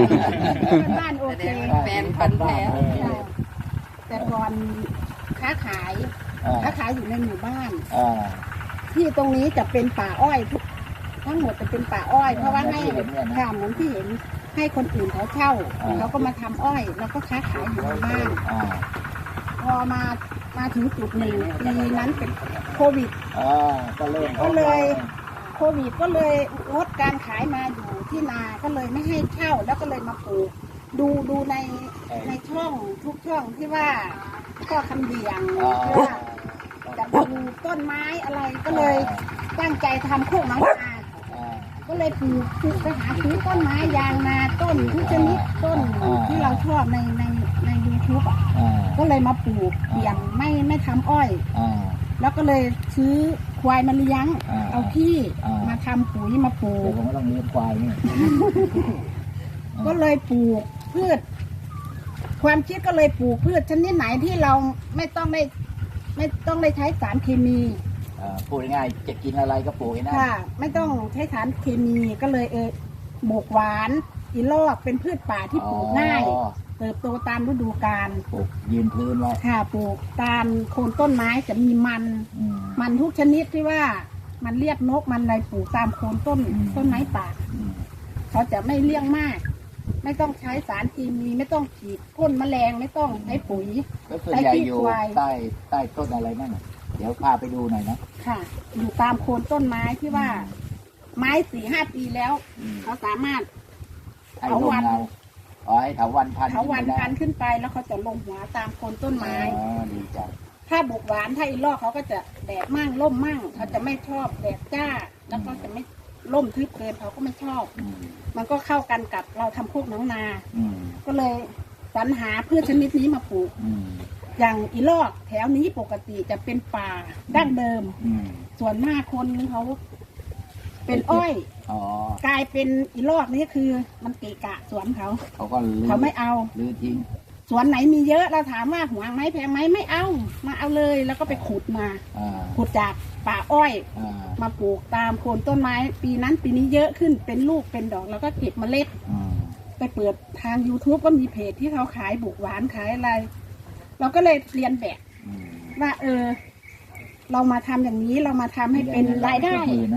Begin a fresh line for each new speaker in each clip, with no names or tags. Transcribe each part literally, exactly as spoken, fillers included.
บ้านโอเค
แฟนพันธุ์แท้
แต่ก่อนค้าขายค้าขายอยู่ในหมู่บ้านที่ตรงนี้จะเป็นป่าอ้อยทุกทั้งหมดจะเป็นป่าอ้อยเพราะว่าให้ค่ะเหมือนที่เห็นให้คนอื่นเขาเช่าเราก็มาทำอ้อยแล้วก็ค้าขายอยู่ในบ้านพอมามาถึงจุดหนึ่งปีนั้นเป็นโควิดก็เลยโควิดก็เลยลดการขายมาอยู่ที่นาก็เลยไม่ให้เช่าแล้วก็เลยมาปลูกดูดูในในช่องทุกช่องที่ว่าข้อคำเดียงว่าจะดูต้นไม้อะไรก็เลยตั้งใจทำโคกหนองนาก็เลยปลูกปลูกไปหาซื้อต้นไม้ยางนาต้นทุกชนิดต้นที่เราชอบในในในยูทูบอ่ะก็เลยมาปลูกเปลี่ยนไม่ไม่ทำอ้อยแล้วก็เลยซื้อควายมาเลี้ยงเอาที่มาทำปุ๋ยมาปลูกผมก็ต้องเลี้ยงควายนี่ก็เลยปลูกพืชความคิดก็เลยปลูกพืชชนิดไหนที่เราไม่ต้องได้ไม่ต้องได้ใช้สารเคมี
ปลูกง่ายจะกินอะไรก็ปลูกนะ
ค่ะไม่ต้องใช้สารเคมีก็เลยเออโบกหวานอีลอกเป็นพืชป่าที่ปลูกง่ายเติบโตตามฤดูกาล
ปลูกยืนพื้นไว้
ค่ะปลูกตามโคนต้นไม้จะมีมันมันทุกชนิดที่ว่ามันเรียกนกมันอะไรปลูกตามโคนต้นต้นไม้ป่าเขาจะไม่เลี้ยงมากไม่ต้องใช้สารเคมีไม่ต้องฉีดพ่นแมลงไม่ต้องใช้ปุ๋ย
ใช้ขี้ควายใต้ใต้ต้นอะไรนั่นเดี๋ยวพาไปดูหน่อยนะ
ค่ะอยู่ตามโคนต้นไม้ที่ว่าไม้สี่ห้าปีแล้วเขาสามารถ
เถาวันอ๋อให้เถาวันพัน
เถาวันพันขึ้นไปแล้วเขาจะลงหัวตามโคนต้นไม้
อ๋อดีจัง
ถ้าบุกหวานถ้าอีลอกเขาก็จะแดดมั่งร่มมั่งเขาจะไม่ชอบแดดจ้าแล้วก็จะไม่ร่มทึบเกินเขาก็ไม่ชอบมันก็เข้ากันกับเราทำพวกน้องนาก็เลยสรรหาพืชชนิดนี้มาปลูกอย่างอีลอกแถวนี้ปกติจะเป็นป่าดั้งเดิมส่วนมากคนเขาเป็นอ้อยกลายเป็นอีลอกนี่คือมันเกะกะสวนเขา
เขาก็
เขาไม่เอา
ลื้อทิ้ง
สวนไหนมีเยอะเราถามว่าหวงไหมแพงไหมไม่เอามาเอาเลยแล้วก็ไปขุดมาขุดจากป่าอ้อยมาปลูกตามโคนต้นไม้ปีนั้นปีนี้เยอะขึ้นเป็นลูกเป็นดอกแล้วก็เก็บเมล็ดไปเปิดทาง ยูทูบ ก็มีเพจที่เขาขายบุกหวานขายอะไรเราก็เลยเรียนแบบว่าเออเรามาทำอย่างนี้เรามาทำให้เป็นรายได้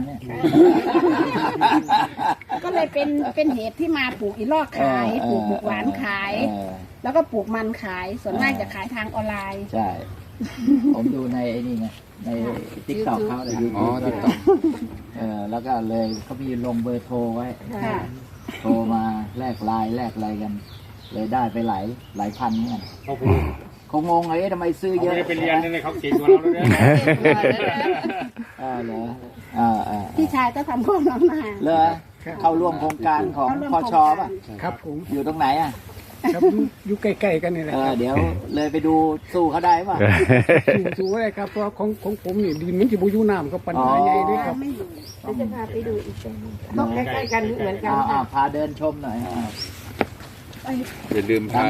ก็เลยเป็นเป็นเหตุที่มาปลูกอีลอกขายปลูกบุกหวานขายแล้วก็ปลูกมันขายส่วนมากจะขายทางออนไลน์
ใช่ผมดูในไอ้นี่ไงในติ๊กต็อกเขาเลยอ๋อติ๊กต็อกเออแล้วก็เลยเขามีลงเบอร์โทรไว้โทรมาแลกไลน์แลกอะไรกันเลยได้ไปหลายหลายพันเนี่ยคงงงเลยทำไมซื้อเยอะ
ไม่ได้ไปเรียนเลยเขาเก่งกว่าเราเลย
อ่าเหรออ่าอ่า
พี่ชายก็ทำโครงน้องนา
เลยเข้าร่วมโครงการของพชป่ะ
ครับผม
อยู่ตรงไหนอ่ะ
ครับอยู่ใกล้ๆกันนี่แหละ
เดี๋ยวเลยไปดูสู้เขาได้ป่ะ
สู้ได้ครับเพราะของของผมนี่ดินมันจะบุยูน้ำก็ปัญหาใหญ่ด้วยครับ
จะพาไปดูอีกต้องใกล้ๆกันเหมือนกัน
พาเดินชมหน่อย
อย่าลืมพา